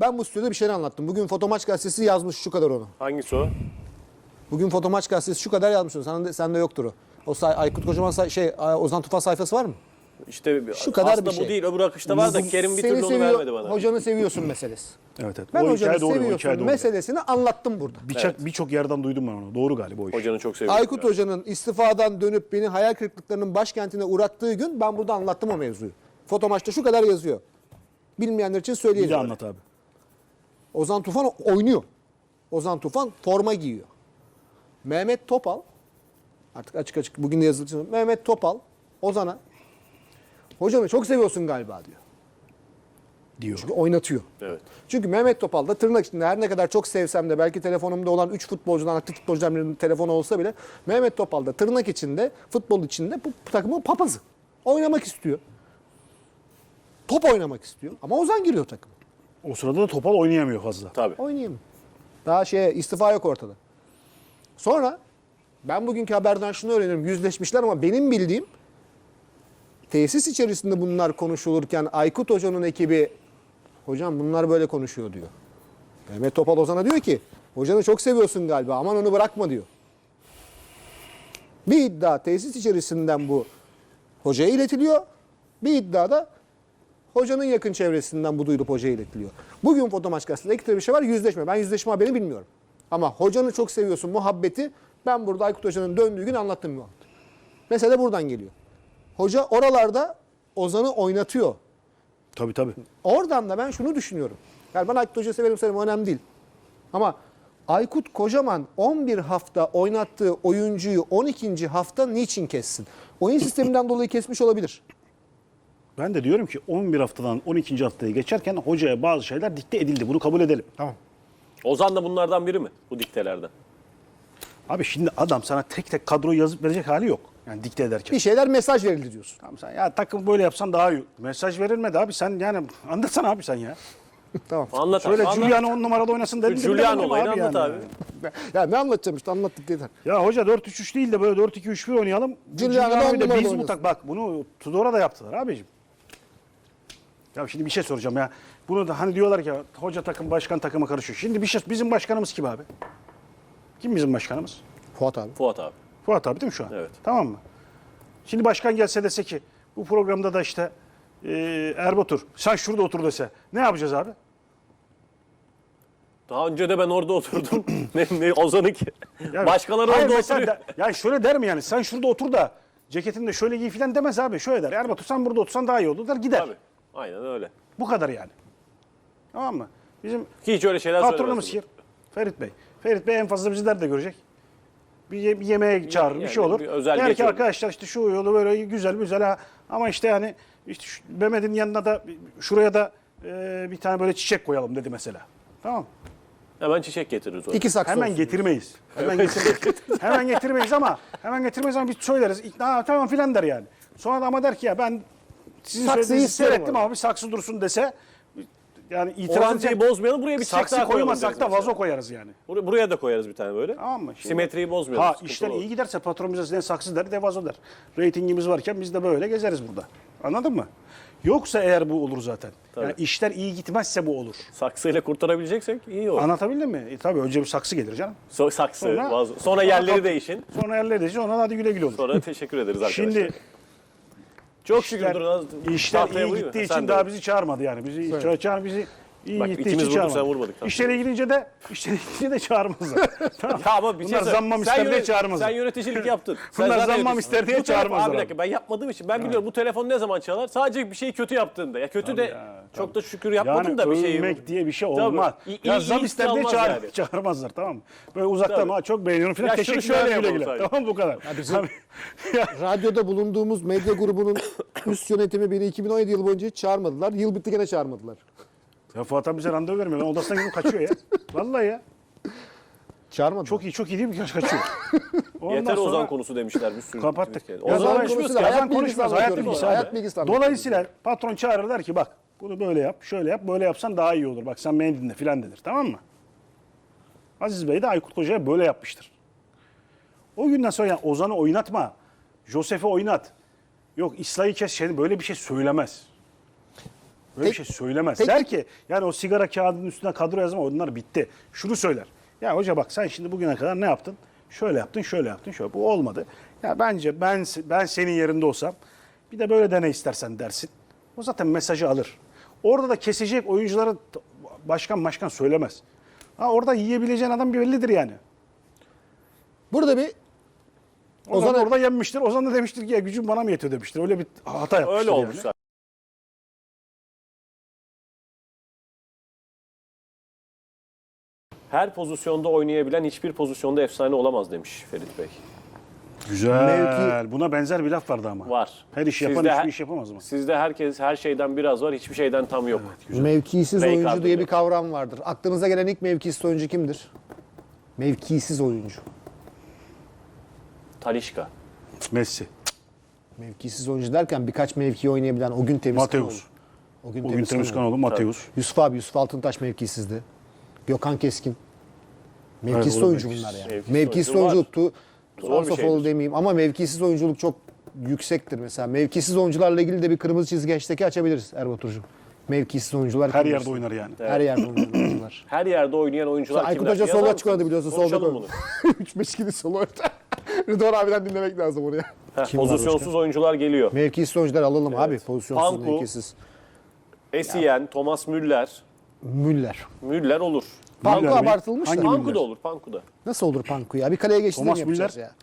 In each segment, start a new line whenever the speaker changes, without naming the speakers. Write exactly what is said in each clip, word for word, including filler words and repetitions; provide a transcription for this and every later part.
ben bu stüdyoda bir şey anlattım. Bugün Fotomaç gazetesi yazmış şu kadar onu.
Hangisi o?
Bugün Fotomaç gazetesi şu kadar yazmış onu. Sende, sende yoktur o. O say, Aykut Kocaman say, şey Ozan Tufan sayfası var mı?
İşte
Şu kadar
aslında
bir şey.
bu değil, öbür akışta var da Kerim bir
Seni
türlü onu
seviyor,
vermedi bana.
hocanı seviyorsun meselesi.
Evet evet.
Ben
O
hocanı
hikaye doğru, o
seviyorsun
hikaye doğru.
meselesini anlattım burada.
Birçok
Evet.
birçok yerden duydum ben onu. Doğru galiba o iş.
Hocanı çok seviyorum.
Aykut
yani.
Hoca'nın istifadan dönüp beni hayal kırıklıklarının başkentine uğrattığı gün ben burada anlattım o mevzuyu. Fotomaçta şu kadar yazıyor. Bilmeyenler için
Bir de
söyleyeyim.
anlat abi.
Ozan Tufan oynuyor. Ozan Tufan forma giyiyor. Mehmet Topal, artık açık açık bugün de yazılı. Mehmet Topal Ozan'a hocanı çok seviyorsun galiba diyor.
Diyor.
Çünkü oynatıyor.
Evet.
Çünkü Mehmet Topal da tırnak içinde her ne kadar çok sevsem de belki telefonumda olan üç futbolcudan aktif futbolcudan birinin telefonu olsa bile Mehmet Topal da tırnak içinde futbol içinde bu takımın papazı. Oynamak istiyor. Top oynamak istiyor ama Ozan giriyor takıma.
O sırada da Topal oynayamıyor fazla.
Tabii.
Oynayayım. Daha şeye istifa yok ortada. Sonra ben bugünkü haberden şunu öğreniyorum. Yüzleşmişler ama benim bildiğim tesis içerisinde bunlar konuşulurken Aykut Hoca'nın ekibi hocam bunlar böyle konuşuyor diyor. Mehmet Topal Ozan'a diyor ki hocanı çok seviyorsun galiba aman onu bırakma diyor. Bir iddia tesis içerisinden bu hocaya iletiliyor. Bir iddia da hocanın yakın çevresinden bu duyulup hocaya iletiliyor. Bugün Fotomaç gazetesinde ekstra bir şey var, yüzleşme. Ben yüzleşme haberini bilmiyorum. Ama hocanı çok seviyorsun muhabbeti ben burada Aykut Hoca'nın döndüğü gün anlattım muhabbet. Mesele buradan geliyor. Hoca oralarda Ozan'ı oynatıyor.
Tabii tabii.
Oradan da ben şunu düşünüyorum. Yani ben Aykut Hoca'yı severim severim önemli değil. Ama Aykut Kocaman on bir hafta oynattığı oyuncuyu on ikinci hafta niçin kessin? Oyun sisteminden dolayı kesmiş olabilir.
Ben de diyorum ki on bir haftadan on ikinci haftaya geçerken hocaya bazı şeyler dikte edildi. Bunu kabul edelim.
Tamam.
Ozan da bunlardan biri mi? Bu diktelerden.
Abi şimdi adam sana tek tek kadroyu yazıp verecek hali yok. Yani dikte ederken.
Bir şeyler mesaj verildi diyorsun.
Tamam sen ya takım böyle yapsan daha iyi. Mesaj verilmedi abi sen yani anlatsana abi sen ya.
Tamam.
Anlat
Şöyle
abi. anlat.
Giuliano on numarada oynasın dedim. de
Giuliano
bilemedim
olayını anlat
yani.
abi.
Ya ne anlatacağım işte anlattık yeter.
Ya hoca dört üç üç değil de böyle dört iki üç bir oynayalım.
Giuliano'da on
Giuliano'yu da
numarada
biz bu
oynasın.
tak bak bunu Tudor'a da yaptılar abicim. Ya şimdi bir şey soracağım ya. Bunu da hani diyorlar ki hoca takım başkan takıma karışıyor. Şimdi bir şey bizim başkanımız kim abi? Kim bizim başkanımız?
Fuat abi.
Fuat abi.
Fuat abi değil mi şu an?
Evet.
Tamam mı? Şimdi başkan gelse dese ki bu programda da işte e, Erbatur sen şurada otur dese ne yapacağız abi?
Daha önce de ben orada oturdum. ne, ne Ozan'ınki.
Yani,
Başkaları
hayır,
orada
mesela
oturuyor.
de- yani şöyle der mi yani sen şurada otur da ceketini de şöyle giy falan demez abi. Şöyle der Erbatur sen burada otursan daha iyi olur der gider.
Tabii. Aynen öyle.
Bu kadar yani. Tamam mı? Bizim
Ki hiç öyle şeyler
patronumuz
söylemez.
kim? Ferit Bey. Ferit Bey en fazla bizi nerede görecek? Bir, ye- bir yemeğe çağırır, bir
yani
şey olur.
bir özel
Der ki
geçiyor.
arkadaşlar işte şu yolu böyle güzel güzel ha. Ama işte yani işte şu Mehmet'in yanına da şuraya da e, bir tane böyle çiçek koyalım dedi mesela. Tamam.
Hemen çiçek getiririz oraya.
İki saksı
Hemen
olsun.
getirmeyiz. Hemen getirmeyiz. hemen getirmeyiz ama hemen getirmeyiz ama biz söyleriz. İkna tamam filan der yani. Sonra da ama der ki ya ben sizin
Saksıyı
söylediğinizi
isterim
seyrettim
orada.
ama bir saksı dursun dese yani itiraz
Orantıyı
edecek.
bozmayalım. Buraya bir çiçek
Saksı
daha koyalım.
koymasak
deriz
da
mesela.
vazo koyarız yani.
Bur- Buraya da koyarız bir tane böyle.
Tamam mı? Şimdi-
Simetriyi bozmayalım.
Ha
sıkıntı
işler
olur.
iyi giderse patron bize ne saksı der ne vazo der. Reytingimiz varken biz de böyle gezeriz burada. Anladın mı? Yoksa eğer bu olur zaten. Yani işler iyi gitmezse bu olur.
Saksıyla kurtarabileceksek iyi olur.
Anlatabildim mi? E, tabii önce bir saksı gelir canım.
So- saksı,
Sonra-
vazo. Sonra yerleri değişin.
Sonra yerleri değişir sonra hadi güle güle olur.
Sonra teşekkür ederiz arkadaşlar.
Şimdi
çok şükür
işler,
durun.
işler
Tahtaya
iyi
vurayım mı?
gittiği
Ha, sen
için
de
daha
vur.
bizi çağırmadı yani. Bizi ça- çağır bizi iyi
Bak,
gittiği
ikimiz
için
vurduk,
çağırmadı.
sen vurmadık tabii.
İşlere girince de işlere girince de çağırmazlar. Tamam.
Ya ama bir şey
Bunlar
söyle.
zammam
Sen
ister diye
yönet-
çağırmazlar.
Sen yöneticilik yaptın. Sen
Bunlar
zaten
zammam
yönetici-
ister diye
Bu telefon-
çağırmazlar
Abi bir
abi.
dakika ben yapmadığım için ben biliyorum bu telefon ne zaman çalar? Sadece bir şeyi kötü yaptığında. Ya kötü de
ya,
çok da şükür yapmadım
Yani
da bir şeyi.
övmek diye bir şey
Tabii.
olmaz.
İyi-
ya
iyi-
zam
iyi
ister diye
çalmaz
çağır,
yani.
çağırmazlar tamam mı? Böyle uzaktan
Tabii.
ha çok beğeniyorum falan
Ya şunu
teşekkürler
şöyle
güle
yapalım
güle.
sadece.
Tamam bu kadar.
bizim-
Abi, ya,
Radyoda bulunduğumuz medya grubunun üst yönetimi beni iki bin on yedi yıl boyunca hiç çağırmadılar. Yıl bitti gene çağırmadılar.
ya Fuat abi bize randevu vermiyor. Ben odasına gidip kaçıyor ya. Vallahi ya.
Çağırmadılar.
Çok iyi çok iyi değil mi? Kaçıyor. Ondan
Yeter
sonra
Ozan konusu demişler bir sürü.
kapattık.
tweet geldi.
Ya
Ozan
Ozan
konuşmuyoruz
konusuyla
ki.
hayat
Ozan
bilgisi
konuşmaz. Hayat
anlatıyorum.
bilgisi.
Hayat
abi.
bilgisi anlatıyorum.
Dolayısıyla patron çağırır der ki bak bunu böyle yap, şöyle yap, böyle yapsan daha iyi olur. Bak sen beni dinle filan denir. Tamam mı? Aziz Bey de Aykut Koca'ya böyle yapmıştır. O günden sonra yani Ozan'ı oynatma, Josef'i oynat. Yok İsla'yı kes, şey, böyle bir şey söylemez. Böyle
Tek-
bir şey söylemez.
tek-
Der ki yani o sigara kağıdının üstüne kadro yazma onlar bitti. Şunu söyler. Ya hoca bak sen şimdi bugüne kadar ne yaptın? Şöyle yaptın, şöyle yaptın, şöyle. Bu olmadı. Ya bence ben ben senin yerinde olsam bir de böyle dene istersen dersin. O zaten mesajı alır. Orada da kesecek oyuncuları t- başkan başkan söylemez. Ha orada yiyebileceğin adam bir bellidir yani.
Burada bir
Ozan
Ozan-
orada yenmiştir. Ozan da demiştir ki ya gücüm bana mı yetiyor demiştir. Öyle bir hata yapmıştır
Öyle
yani.
olmuş zaten. Her pozisyonda oynayabilen hiçbir pozisyonda efsane olamaz demiş Ferit Bey.
Güzel.
Mevki-
Buna benzer bir laf vardı ama.
Var.
Her iş yapan
Sizde
hiçbir
her-
iş yapamaz mı?
Sizde herkes her şeyden biraz var, hiçbir şeyden tam yok.
mevkisiz
Ray
oyuncu
Carter
diye bir
demiş.
kavram vardır. Aklınıza gelen ilk mevkisiz oyuncu kimdir? Mevkisiz oyuncu.
Talişka.
Messi.
Mevkisiz oyuncu derken birkaç mevki oynayabilen o gün Temizkanoğlu.
Mateus.
O gün
O gün Temizkanoğlu, Mateus.
Yusuf abi, Yusuf Altıntaş mevkisizdi. Gökhan Keskin. Mevkisiz
Evet, o da
oyuncu
mevkisiz.
bunlar yani.
Mevkisiz
Mevkisiz
oyuncu var.
oyunculuktu.
Zor bir
Orsafoğlu
şeydir.
demeyeyim ama mevkisiz oyunculuk çok yüksektir mesela. Mevkisiz oyuncularla ilgili de bir kırmızı çizgi hashtag'i açabiliriz Erbaturcuğum. Mevkisiz oyuncular
Her
kimdir?
yerde oynar yani.
Her yerde oynayan oyuncular.
Her yerde oynayan oyuncular
Aykut
kimler?
Hoca
Yazar
sola
mısınız?
çıkardı biliyorsun. Solda
Konuşalım
koydu.
bunu.
üç beş gidi sol orta. Rıdvan abiden dinlemek lazım oraya.
Heh,
Kim var
pozisyonsuz oyuncular geliyor.
Mevkisiz oyuncular alalım abi. Pozisyonsuz,
Panku.
mevkisiz.
Essien, Thomas Müller.
Müller.
Müller olur.
Panku
Müller mi?
abartılmış
Hangi
da.
Panku
Müller?
da olur, Panku da.
Nasıl olur Panku ya? Bir kaleye geçtiğinde mi
Thomas
yapacağız
Müller.
ya?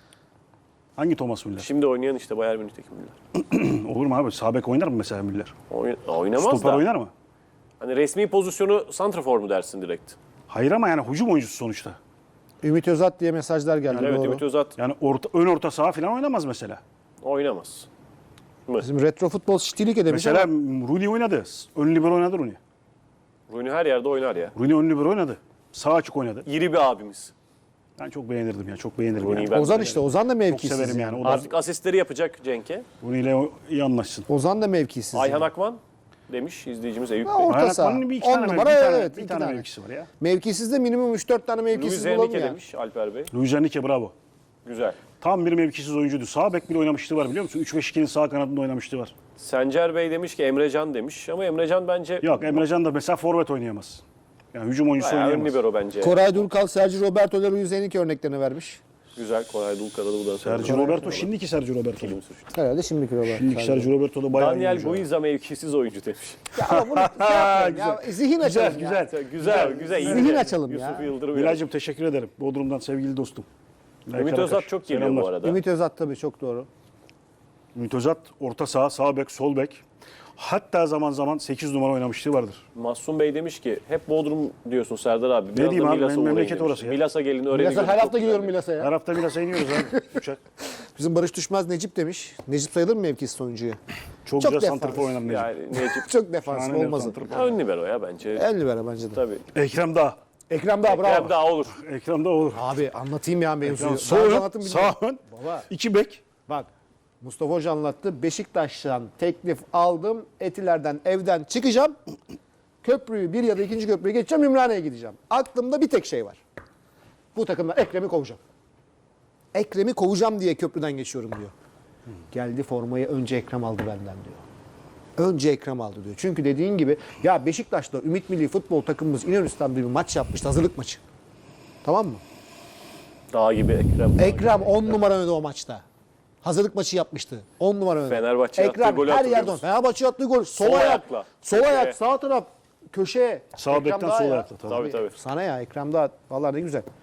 Hangi Thomas Müller?
Şimdi oynayan işte Bayern Münih'teki Müller.
Olur mu abi? Sağ bek oynar mı mesela Müller?
Oyn- oynamaz
Stoper
da.
oynar mı?
Hani resmi pozisyonu santrafor mu dersin direkt?
Hayır ama yani hücum oyuncusu sonuçta.
Ümit Özat diye mesajlar geldi.
Evet,
doğru.
Ümit Özat
Yani orta, ön orta saha falan oynamaz mesela.
oynamaz.
Bizim retro futbol şitilik edemiş
Mesela
ama
Rooney oynadı. Ön libero oynadı Rooney.
Rooney her yerde oynar ya.
Rooney ön libero oynadı. Sağ açık oynadı.
İri bir abimiz.
Ben çok beğenirdim ya. Çok beğenirdim
Rooney'i
yani.
ben
Ozan
de
işte. Ozan da
Çok
mevkisiz.
severim yani. O da
Artık asistleri yapacak Cenk'e.
Rooney ile iyi anlaşsın.
Ozan da mevkisiz.
Ayhan
yani.
Akman demiş izleyicimiz Eyüp
Ha,
Bey.
orta
Ayhan
saha.
Akman'ın bir iki
On
tane,
numara,
bir tane,
evet,
bir
iki
tane,
tane.
mevkisi var ya.
Mevkisiz de minimum üç dört tane
Luis
mevkisiz bulalım
Enrique
ya.
demiş Alper Bey.
Luis Enrique bravo.
Güzel.
Tam bir mevkisiz oyuncuydu. Sağ bek bile oynamıştı var biliyor musun? üç beş ikinin sağ kanadında oynamıştı var.
Sencer Bey demiş ki Emrecan demiş ama Emrecan bence
Yok Emrecan da mesela forvet oynayamaz. Yani hücum oyuncusu
bayağı ön
oynayamaz.
libero bence.
Koray Durkal, Sergio Roberto ile Luis Enrique örneklerini vermiş.
Güzel. Koray Dulkar'ı bu da
Sergio Roberto şimdiki Sergio Roberto.
Film sürüşü.
Herhalde şimdiki Roberto.
Şimdiki Sergio Roberto da bayağı iyi
Daniel
oyuncu.
Guiza mevkisiz oyuncu demiş.
Ya ama bunu şey yapmayalım ya. Zihin açalım
Güzel,
ya.
güzel.
Güzel, güzel. iyi
Zihin
yani.
açalım ya.
Yusuf Yıldırım.
Bilal'cim teşekkür ederim. Bodrum'dan sevgili dostum.
Ümit Özat çok geliyor bu
Selamlar.
arada.
Ümit Özat tabii çok doğru.
Ümit Özat orta saha, sağ bek, sol bek. Hatta zaman zaman sekiz numara oynamışlığı vardır.
Mahsun Bey demiş ki hep Bodrum diyorsun Serdar abi. Biraz
diyeyim
da
abi,
Milas'a
benim
uğrayın
memleket
demiş.
orası ya.
Milas'a gelin öğrenin.
Milas'a her hafta gidiyorum Milas'a ya.
Her hafta Milas'a iniyoruz abi. Uçak.
Bizim Barış Düşmez Necip demiş. Necip sayılır mı mevkisiz oyuncuya?
Çok,
Çok
güzel
defans.
santrfor oynar Necip.
Yani Necip
Çok defansif
Şahane bir
olmaz.
santrfor.
ön libero ya bence.
En libero bence de.
Tabii.
Ekrem Dağ.
Ekrem daha bravo.
Ekrem daha olur.
Ekrem Dağ olur.
Abi anlatayım ya mevzuyu.
Yani
Ben
sol ön,
anlatım
sağ
bilmiyorum.
ön,
Baba
iki bek.
bak Mustafa Hoca anlattı. Beşiktaş'tan teklif aldım. Etiler'den evden çıkacağım. Köprüyü bir ya da ikinci köprüye geçeceğim. Ümraniye'ye gideceğim. Aklımda bir tek şey var. Bu takımdan Ekrem'i kovacağım. Ekrem'i kovacağım diye köprüden geçiyorum diyor. Geldi formayı önce Ekrem aldı benden diyor. Önce Ekrem aldı diyor. Çünkü dediğin gibi ya Beşiktaş'ta Ümit Milli Futbol takımımız İnönü Stadı'nda bir maç yapmıştı. Hazırlık maçı. Tamam mı?
Dağ gibi Ekrem.
Ekrem on numara oynadı o maçta. Hazırlık maçı yapmıştı. on numara oynadı.
Fenerbahçe'ye attığı
Ekrem
golü
her
hatırlıyor
yerden.
musun?
Fenerbahçe'ye attığı gol. Sol,
Sol
ayak.
ayakla.
Sol
Köşeye.
ayak. Sağ taraf. Köşeye.
Sağ
Ekrem
bekten
daha
sol
ya.
ayakla. Tabii.
Tabii tabii.
Sana ya Ekrem daha. Vallahi ne güzel.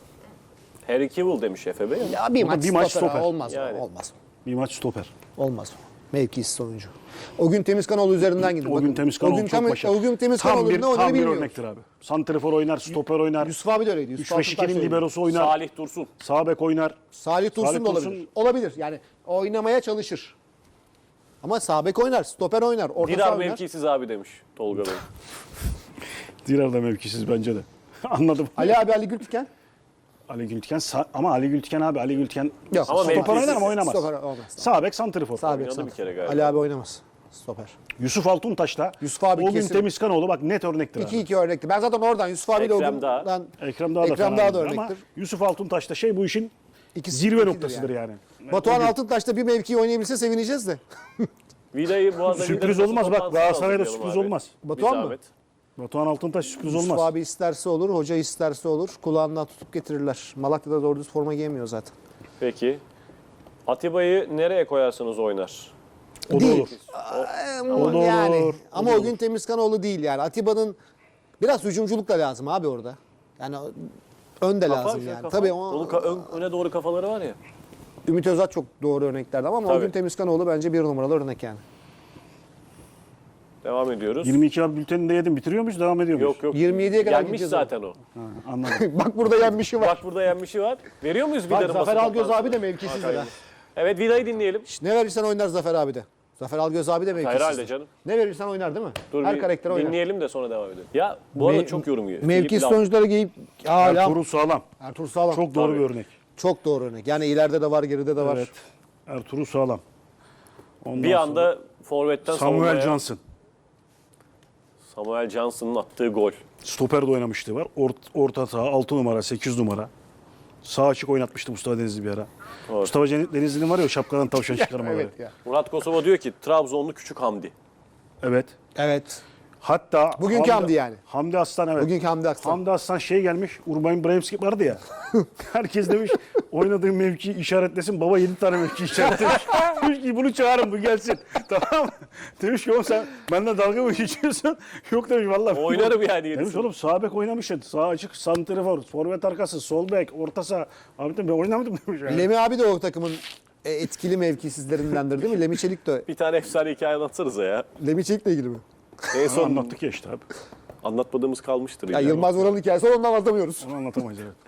Harry Kewell demiş Efe Bey.
Ya bir
O da
maç
bir maç
stoper.
stoper.
Olmaz.
Yani.
Olmaz.
Bir maç stoper.
Olmaz. Mevkisiz oyuncu. O gün Temizkanoğlu üzerinden gidin.
O
Bakın,
gün Temizkanoğlu
o gün,
çok
Tem-
başarılı.
O gün
Tam
Temizkanoğlu'nun
bir,
ne oynadığını
tam bir
bilmiyoruz.
örnektir abi. Santrifor oynar, stoper oynar.
Yusuf abi de öyleydi. Yusuf
üç beş ikinin
Altıntaş da öyleydi.
liberosu oynar.
Salih Dursun.
Sağ bek oynar.
Salih Dursun
Salih
da
Dursun-
olabilir. Olabilir. Yani oynamaya çalışır. Ama sağ bek oynar, stoper oynar, orta saha
Dirar
oynar.
mevkisiz abi demiş Tolga Bey.
Diğer de mevkisiz bence de. Anladım.
Ali abi Ali Gültiken.
Ali Gültiken sağ- ama Ali Gültiken abi Ali Gültiken
Yok.
Ama
stoper
mevkisiz.
oynar ama oynamaz.
Stoper olmaz.
Sağ bek santrifor.
Sağ bek
Oynadı
sağ.
bir kere galiba.
Ali abi oynamaz. Stoper.
Yusuf Altuntaş'ta
Yusuf abi
o gün
kesin-
Temizkanoğlu bak net örnektir
iki
abi.
iki örnekti. Ben zaten oradan Yusuf abiyle o
Ekrem
gün
Dağ.
ben
Ekrem Dağ da
Ekrem
fena
Dağ da
değildir ama
örnektir.
Yusuf Altuntaş'ta şey bu işin
İkisi-
zirve
ikidir
noktasıdır yani.
Batuhan
O gün-
Altıntaş'ta bir mevkiyi oynayabilse sevineceğiz de.
Vida'yı bu arada
Sürpriz
Vida
olmaz bak,
toplantısına
Galatasaray'da
hazırlayalım
sürpriz
abi.
olmaz.
Bir
Batuhan mı?
zahmet.
Batuhan Altıntaş sürpriz
Yusuf
olmaz.
abi isterse olur, hoca isterse olur. Kulağından tutup getirirler. Malatya'da doğru düz forma giyemiyor zaten.
Peki. Atiba'yı nereye koyarsanız oynar.
O da
Değil.
olur.
Ee,
O da
yani.
olur, o
Ama
da
o gün Temizkanoğlu değil yani. Atiba'nın biraz hücumculuk da lazım abi orada. Yani ön de
Kafa,
lazım
şey,
yani.
kafa.
Tabii
Onun
o,
ka- ön- öne doğru kafaları var ya.
Ümit Özat çok doğru örneklerdi ama, ama o
Tabii.
gün Temizkanoğlu bence bir numaralı örnek yani.
Devam ediyoruz.
yirmi iki abi bülteninde yedim. Bitiriyor muyuz? Devam ediyor muyuz?
Yok yok.
yirmi yediye kadar
Yenmiş
gideceğiz
zaten o.
Ha, anladım.
Bak burada yenmişi var.
Bak burada yenmişi var. Veriyor muyuz
Bak
Vida'nın
Zafer
basın
Algöz abi
toplantısına?
de mevkisiz
Hakan
ha.
Yıldız. Evet Vida'yı dinleyelim.
Ne verirsen oynar Zafer abi de. Zafer Algöz abi de mevkisiz.
Herhalde canım.
Ne verirsen oynar değil mi?
Dur
Her
bir
karakter oynar.
dinleyelim de sonra devam edelim. Ya bu arada
Me-
çok yorum yiyor.
Mevkisiz
Filip Lam.
oyuncuları giyip hala
Ertuğrul Sağlam.
Ertuğrul Sağlam.
Çok doğru
Tabii.
bir örnek.
Çok doğru örnek. Yani ileride de var, geride de var.
Evet. Ertuğrul Sağlam. Ondan
Bir
sonra
anda forvetten
Samuel
savunmaya-
Johnson.
Samuel Johnson'ın attığı gol.
Stoper'de oynamıştı var. Ort, orta saha altı numara, sekiz numara. Sağ açık oynatmıştı Mustafa Denizli bir ara.
Doğru.
Mustafa Cen- Denizli'nin var ya o şapkadan tavşan çıkarmaları.
Evet
Evet.
ya.
Murat Kosova diyor ki Trabzonlu Küçük Hamdi.
evet.
Evet.
Hatta
Bugünkü Hamdi yani.
Hamdi Aslan evet.
Bugünkü Hamdi Aslan.
Hamdi Aslan şey gelmiş. Urban Bremski vardı ya. Herkes demiş oynadığın mevkiyi işaretlesin. Baba yedi tane mevki işaretlemiş. Demiş ki bunu çağırın bu gelsin. Tamam mı? Demiş ki oğlum sen benden dalga mı geçiyorsun? Yok demiş vallahi.
Oynarım yani
Demiş
yedisini.
oğlum sağ bek oynamışsın. Sağ açık, santrifor, forvet arkası, sol bek, orta saha. Abi de ben oynamadım demiş. Yani.
Lemi abi de o takımın e, etkili mevkisizlerindendir değil mi? Lemi Çelik de.
Bir tane efsane hikaye anlatsanıza ya.
Lemi Çelik'le ilgili mi?
En
Onu
son
anlattık ya işte abi.
anlatmadığımız kalmıştır.
Ya
illa.
Yılmaz Vural'ın hikayesi onu anlatamıyoruz.
Onu anlatamayız evet.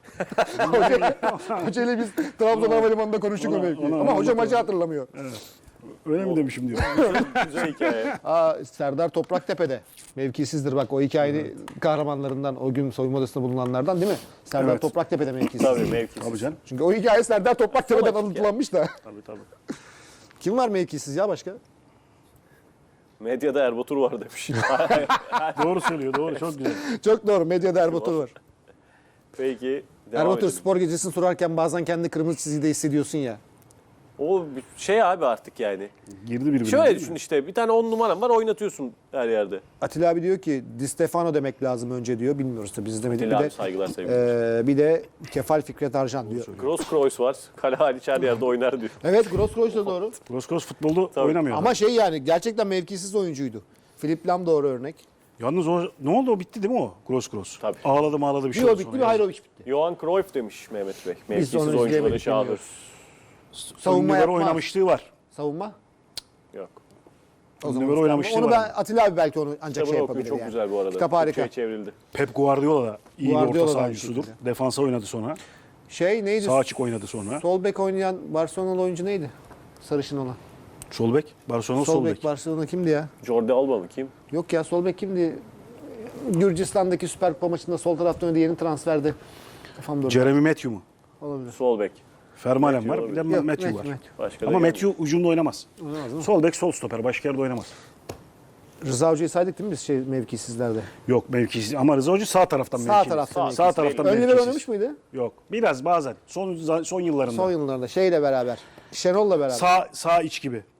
Hoca ile biz Trabzon Havalimanı'nda konuştuk o
Onu-
mevkiyi.
onu
Ama hoca
anlatamam.
maçı hatırlamıyor.
Öyle mi demişim diyor.
Güzel hikaye.
Aa, Serdar Topraktepe'de mevkisizdir bak o hikayenin kahramanlarından o gün soyunma odasında bulunanlardan değil mi? Serdar
Evet.
Topraktepe'de mevkisiz.
Tabii mevkisiz.
Tabii canım.
Çünkü o hikaye Serdar Topraktepe'den
Salak
alıntılanmış da.
Tabii tabii.
Kim var mevkisiz ya başka?
Medyada Erbatur var demiş.
Doğru söylüyor doğru çok güzel.
Çok doğru. Medyada Erbatur var.
Peki devam
Erbatur
edelim.
spor gecesini sorarken bazen kendi kırmızı çizgide hissediyorsun ya.
O bir şey abi artık yani.
Girdi birbirine.
Şöyle
değil mi?
düşün işte bir tane on numaram var oynatıyorsun her yerde.
Atilla abi diyor ki Di Stefano demek lazım önce diyor. Bilmiyoruz tabii biz izlemedik.
Atilla
Bir
abi
de,
saygılar sevgiler.
e, bir de Kefal Fikret Arjan diyor.
Kroos Kroos var. Kale hariç her yerde oynar diyor.
Evet Gross Kroos da doğru.
Gross futbolda
Tabii.
oynamıyor.
Ama şey yani gerçekten mevkisiz oyuncuydu. Filip Lam doğru örnek.
Yalnız o ne oldu o bitti değil mi o? Gross Gross.
Tabii.
Ağladı ağladı bir şey
Bir o
oldu
bitti
sonra
bir
ya.
Hayrovic bitti.
Johan Cruyff demiş Mehmet Bey.
Biz
Mevkisiz
onu
oyuncuları
izleyemedik,
şahıdır.
bilmiyoruz.
Ön
Savunma
libero
yapmaz.
oynamışlığı var.
Savunma.
Yok.
O
Ön
zaman
libero oynamışlığı
onu
var.
ben Atilla abi belki onu ancak
Kitabını
şey
okuyun
yapabilir
çok
yani.
güzel bu arada.
Kitap harika.
Türkçe'ye çevrildi.
Pep Guardiola da iyi
Guardiola
bir
da
orta
aynı
sahancısudur.
şekilde.
Defansa oynadı sonra.
Şey neydi?
Sağ açık oynadı sonra.
Sol bek oynayan Barcelona'lı oyuncu neydi? Sarışın olan.
Sol bek. Barcelona
Sol,
sol
bek
bek.
Barcelona kimdi ya?
Jordi Alba mı kim?
Yok ya sol bek kimdi? Gürcistan'daki Süper Kupa maçında sol tarafta oynadı yeni transferde. Kafam durdu.
Jeremy Matthew mu?
Olabilir.
Sol bek.
Fermalen
Matthew
var. Bir de
olabilir.
Yok,
Matthew
Matthew,
var.
Matthew.
Başka da
Ama
gelmiyor.
Matthew ucunda oynamaz.
Oynamaz değil mi?
Sol bek sol stoper. Başka yerde oynamaz.
Rıza Hoca'yı saydık değil mi biz şey mevkisizlerde?
Yok mevkisiz. Ama Rıza Hoca sağ taraftan
Sağ
mevkisiz.
taraftan
Sağ,
mevkisiz.
sağ taraftan
Ön libero
mevkisiz.
oynamış mıydı?
Yok. Biraz bazen. Son son yıllarında.
Son yıllarda şeyle beraber. Şenol'la beraber.
Sağ sağ iç gibi.